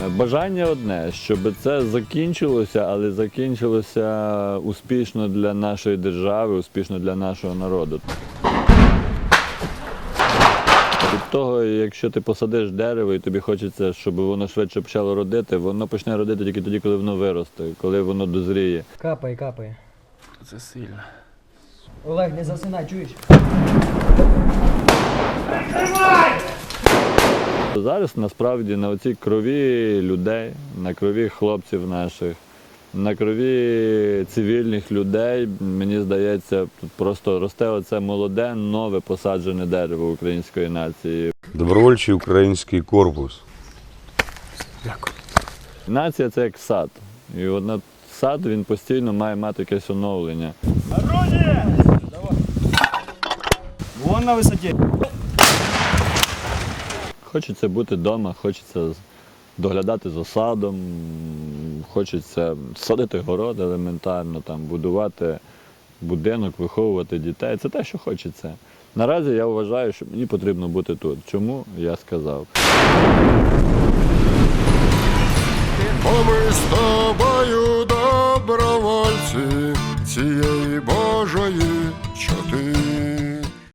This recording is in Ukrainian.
Бажання одне, щоб це закінчилося, але закінчилося успішно для нашої держави, успішно для нашого народу. Від того, якщо ти посадиш дерево і тобі хочеться, щоб воно швидше почало родити, воно почне родити тільки тоді, коли воно виросте, коли воно дозріє. Капає, капає. Це сильно. Олег, не засинай, чуєш? Зараз насправді на оцій крові людей, на крові хлопців наших, на крові цивільних людей, мені здається, тут просто росте оце молоде, нове посаджене дерево української нації. Добровольчий український корпус. Дякую. Нація – це як сад. І от сад, він постійно має мати якесь оновлення. Оружие! Вон на висоті. Хочеться бути вдома, хочеться доглядати за садом, хочеться садити город елементарно, там, будувати будинок, виховувати дітей. Це те, що хочеться. Наразі я вважаю, що мені потрібно бути тут. Чому? Я сказав. Бо ми з тобою добровольці цієї